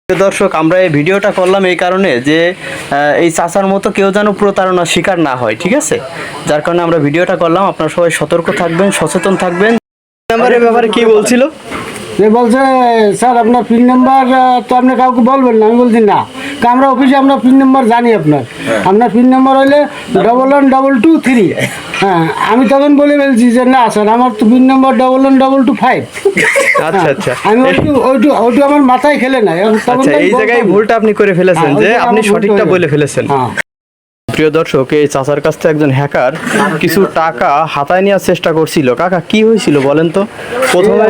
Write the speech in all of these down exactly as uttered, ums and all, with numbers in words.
দর্শক, আমরা এই ভিডিওটা করলাম এই কারণে যে এই চাচার মতো কেউ যেন প্রতারণার শিকার না হয়, ঠিক আছে? যার কারণে আমরা ভিডিওটা করলাম। আপনারা সবাই সতর্ক থাকবেন, সচেতন থাকবেন। নাম্বারের ব্যাপারে কি বলছিল? যে বলছে স্যার আপনার পিন নাম্বার তো আপনি কাউকে বলবেন না। আমি বলছি না, আমরা অফিসে আমরা পিন নাম্বার জানি আপনার আপনার পিন নাম্বার হইলে double one double two three. হ্যাঁ, আমি তখন বলে ফেলছি যে না স্যার আমার তো pin number double one double two five. আচ্ছা আচ্ছা, আমি ওইটু ওইটু ওইটু আমার মাথায় খেলে নাই। আচ্ছা, এই জায়গায় ভুলটা আপনি করে ফেলেছেন, যে আপনি সঠিকটা বলে ফেলেছেন। প্রিয় দর্শক, এই চাচার কাছ থেকে একজন হ্যাকার কিছু টাকা হাতায় নেওয়ার চেষ্টা করছিল। কাকা, কি হয়েছিল বলেন তো? প্রথমে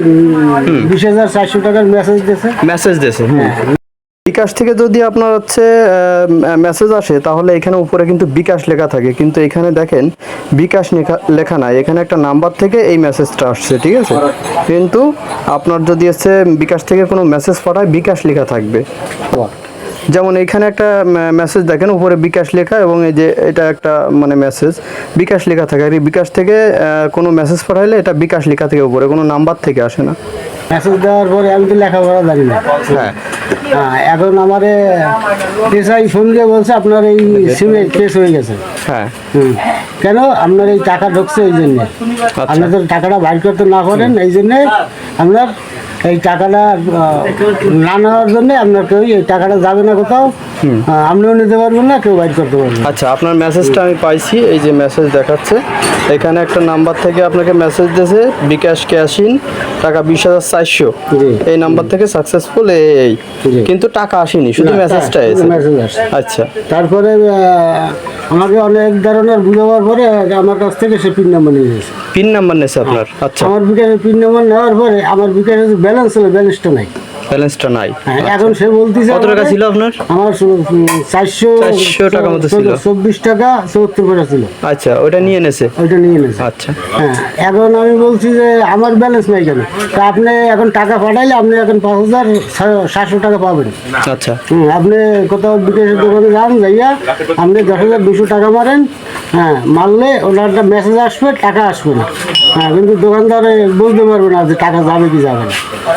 বিশ হাজার চারশো টাকার মেসেজ দিয়েছে মেসেজ দিয়েছে বিকাশ থেকে। যদি আপনার হচ্ছে মেসেজ আসে তাহলে এখানে উপরে কিন্তু বিকাশ লেখা থাকে, কিন্তু এখানে দেখেন বিকাশ লেখা নাই, এখানে একটা নাম্বার থেকে এই মেসেজটা আসছে, ঠিক আছে? কিন্তু আপনার যদি হচ্ছে বিকাশ থেকে কোনো মেসেজ পাঠায় বিকাশ লেখা থাকবে। যেমন এখানে একটা মেসেজ দেখেন উপরে বিকাশ লেখা, এবং এই যে এটা একটা মানে মেসেজ বিকাশ লেখা থাকে। আর এই বিকাশ থেকে কোনো মেসেজ পাঠাইলে এটা বিকাশ লেখা থেকে উপরে, কোনো নাম্বার থেকে আসে না। মেসেজ দেওয়ার পরে আমি তো লেখাপড়া জানি না। হ্যাঁ, এখন আমার এসআই ফোন দিয়ে বলছে আপনার এই সিমে কেস হয়ে গেছে। হ্যাঁ, কেন? আপনার এই টাকা ঢুকছে এই জন্য। আপনি তো টাকাটা বাইর করতে না পারেন, এই জন্যে আপনার এই টাকাটা না নেওয়ার জন্য আপনার কেউ এই টাকাটা যাবে না কোথাও, আপনিও নিতে পারবেন না, কেউ বাইর করতে পারবেন। আচ্ছা, আপনার মেসেজটা আমি পাইছি, এই যে মেসেজ দেখাচ্ছে এখানে একটা নাম্বার থেকে আপনাকে মেসেজ দিয়েছে বিকাশ ক্যাশিন টাকা বিশ হাজার চারশো, এই নাম্বার থেকে সাকসেসফুল এই, কিন্তু টাকা আসেনি, শুধু মেসেজটা এসেছে। আচ্ছা, তারপরে আমাকে অনেক ধরনের বুঝাবার পরে আমার কাছ থেকে সে পিন নাম্বার নিয়ে গেছে। পিন নাম্বার নিয়েছে আপনার? আচ্ছা, আমার বিকাশের পিন নাম্বার নেওয়ার পরে আমার বিকাশের ব্যালেন্স ছিল, ব্যালেন্সটা নাই। ব্যালেন্সটা নাই। এখন সে বলতেছে কত টাকা ছিল আপনার? আমার চারশো চারশো টাকা মতো ছিল, চব্বিশ টাকা চৌত্তর পয়সা ছিল। আচ্ছা, ওইটা নিয়ে নেছে? ওইটা নিয়ে নেছে। আচ্ছা, হ্যাঁ, এখন আমি বলছি যে আমার ব্যালেন্স নাই কেন? তা আপনি এখন টাকা পাঠাইলে আপনি এখন পাঁচ হাজার সাতশো টাকা পাবেন। আচ্ছা, হুম, আপনি কোথাও বিকাশের দোকানে যান, যাইয়া আপনি দশ হাজার দুশো টাকা মারেন। হ্যাঁ, মারলে ওনার একটা মেসেজ আসবে, টাকা আসবে না। হ্যাঁ, কিন্তু দোকানদারে বলতে পারবে না যে টাকা যাবে কি যাবে না।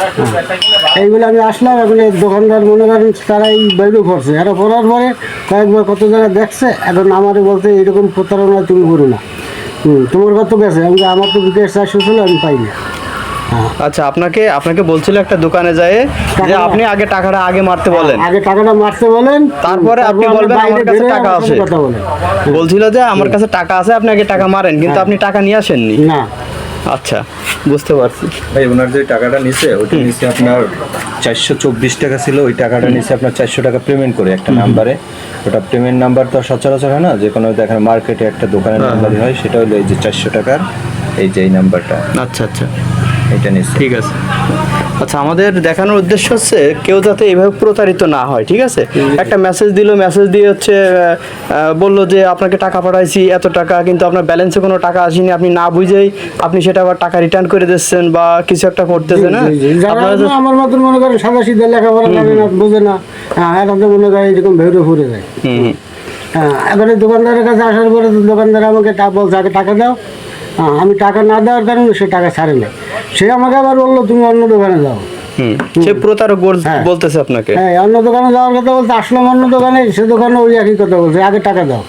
হ্যাঁ, এইগুলো আমি আসলাম, এখন দোকানদার মনে করেন তারা এই বাইরে করছে, এরা করার পরে কয়েকবার কত জায়গায় দেখছে। এখন আমারে বলতে এরকম প্রতারণা তুমি করো না। হুম, তোমার কত গেছে? আমি আমার তো বিকাশ চারশো ছিল, আমি পাইনি। আচ্ছা, আপনাকে আপনাকে বলছিল একটা দোকানে যায় যে আপনি আগে টাকাটা আগে মারতে বলেন, আগে টাকাটা মারতে বলেন, তারপরে আপনি বলবেন আমার কাছে টাকা আছে। বলছিল যে আমার কাছে টাকা আছে, আপনি আগে টাকা মারেন, কিন্তু আপনি টাকা নিয়ে আসেননি না। আচ্ছা, বুঝতে পারছি। ভাই, ওনার যে টাকাটা নিছে ওইটা নিচে আপনার চারশো চব্বিশ টাকা ছিল, ওই টাকাটা নিচে আপনার চারশো টাকা পেমেন্ট করে একটা নাম্বারে। ওটা পেমেন্ট নাম্বার তো সচরাচর হয় না, যে কোনো দেখেন মার্কেটে একটা দোকানের নাম্বারই হয়, সেটা হলো এই যে চারশো টাকার এই যে এই নাম্বারটা। আচ্ছা আচ্ছা, এটা নিচ্ছে। ঠিক আছে। আচ্ছা, আমাদের দেখানোর উদ্দেশ্য হচ্ছে কেউ যাতে এইভাবে প্রতারিত না হয়, ঠিক আছে? একটা মেসেজ দিল, মেসেজ দিয়ে হচ্ছে বললো যে আপনাকে টাকা পাঠাইছি এত টাকা, কিন্তু আপনার ব্যালেন্সে কোনো টাকা আসেনি, আপনি না বুঝেই আপনি সেটা আবার টাকা রিটার্ন করে দিচ্ছেন বা কিছু একটা করতেছেন। না, আমার মতন মনে করেন সাদা সিধা লেখাপড়া জানে না, বোঝে না, হ্যাঁ, এখন তো মনে করেন এরকম ভেউরে ফুরে যায়। হ্যাঁ, এবারে দোকানদারের কাছে আসার পরে দোকানদার আমাকে বলছে আগে টাকা দাও। হ্যাঁ, আমি টাকা না দেওয়ার কারণে সে টাকা ছাড়ে না। সে আমাকে আবার বললো তুমি অন্য দোকানে যাও। সে প্রতারক বলতেছে আপনাকে? হ্যাঁ, অন্য দোকানে যাওয়ার কথা বলতে আসলাম, অন্য দোকানে, সে দোকানে ওই একই কথা বলছে আগে টাকা দাও।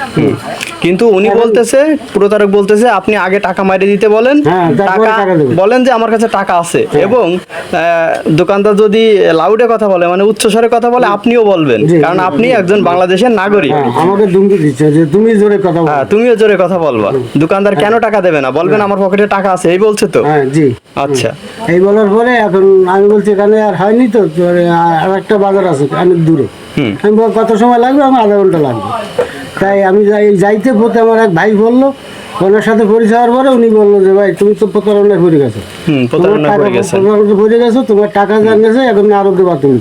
কিন্তু উনি বলতেছে, প্রতারক বলতেছে আপনি আগে টাকা মাইরে দিতে বলেন, টাকা বলেন যে আমার কাছে টাকা আছে, এবং দোকানদার যদি লাউডে কথা বলে মানে উচ্চস্বরে কথা বলে আপনিও বলবেন, কারণ আপনি একজন বাংলাদেশের নাগরিক। আমাকে ধমকি দিচ্ছে যে তুমি জোরে কথা বলো। হ্যাঁ, তুমিও জোরে কথা বলবা। দোকানদার কেন টাকা দেবে না? বলবেন আমার পকেটে টাকা আছে, এই বলছে তো? হ্যাঁ, জি। আচ্ছা, এই বলার পরে এখন আমি বলছি এখানে আর হয়নি তো, আর একটা বাজার আছে অনেক দূরে। আমি বল কত সময় লাগবে? আমার আধা ঘন্টা লাগবে। তাই আমি যাই যাইতে পথে আমার এক ভাই বললো, ওনার সাথে পরিচয় হওয়ার পরে উনি বললো যে ভাই তুমি তো প্রতারণায় পড়ে গেছো, প্রতারণায় পড়ে গেছো, তোমার টাকা জানিয়েছে, এখন আরো দেবা তুমি।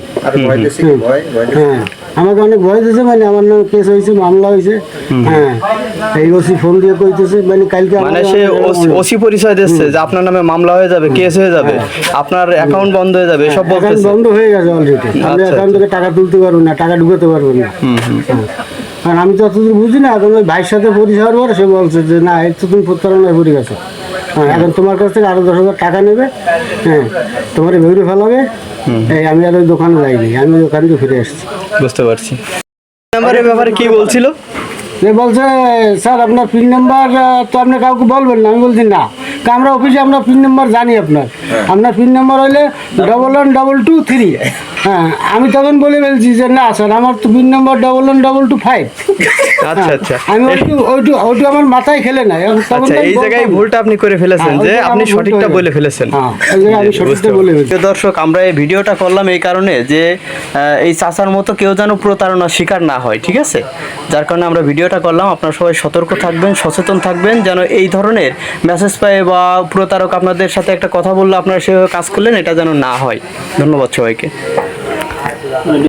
হ্যাঁ, আমাকে অনেক ভয় দিয়েছে, মানে আমার নামে কেস হয়েছে, মামলা হয়েছে। হ্যাঁ, এই ওসি ফোন দিয়ে কইতেছে মানে কালকে মানে সে ওসি পরিচয় দিচ্ছে যে আপনার নামে মামলা হয়ে যাবে, কেস হয়ে যাবে, আপনার অ্যাকাউন্ট বন্ধ হয়ে যাবে, সব বলতেছে। বন্ধ হয়ে গেছে অলরেডি, আপনি অ্যাকাউন্ট থেকে টাকা তুলতে পারবেন না, টাকা ঢুকাতে পারবেন না। কারণ আমি তো অতদূর বুঝি না। এখন ওই ভাইয়ের সাথে পরিচয় হওয়ার পরে সে বলছে যে না, এই তো তুমি প্রতারণায় পড়ে গেছো। হ্যাঁ, এখন তোমার কাছ থেকে আরো দশ হাজার টাকা নেবে। হ্যাঁ, তোমার ভেউরে ফেলাবে। এই আমি আর ওই দোকানে যাইনি, আমি দোকান থেকে ফিরে এসেছি। বুঝতে পারছি। নাম্বারের ব্যাপারে কি বলছিল? যে বলছে স্যার আপনার পিন নাম্বার তো আপনি কাউকে বলবেন না। আমি বলছি না, তা আমরা অফিসে আমরা পিন নাম্বার জানি আপনার, আপনার পিন নাম্বার হইলে double one double two three. হ্যাঁ, আমি তখন বলে ফেলছি যে না স্যার আমার তো pin number double one double two five. আচ্ছা আচ্ছা আমি ওইটু ওইটু ওইটু আমার মাথায় খেলে নাই। তখন আচ্ছা, তো আমি এই জায়গায় বলতাম। ভুলটা আপনি করে ফেলেছেন হ্যাঁ, যে ওই জায়গায় আপনি আমার ভুলটা সঠিকটা হয়ে বলে গেছে। ফেলেছেন। হ্যাঁ, ওই জায়গায় আমি সঠিকটা বলে ফেলছি। প্রিয় দর্শক, আমরা এই ভিডিওটা করলাম এই কারণে যে আহ, এই চাচার মতো কেউ যেন প্রতারণার শিকার না হয়, ঠিক আছে? যার কারণে আমরা ভিডিওটা করলাম। আপনারা সবাই সতর্ক থাকবেন, সচেতন থাকবেন, যেন এই ধরনের মেসেজ পায় বা প্রতারক আপনাদের সাথে একটা কথা বললে আপনারা সেভাবে কাজ করলেন, এটা যেন না হয়। ধন্যবাদ সবাইকে।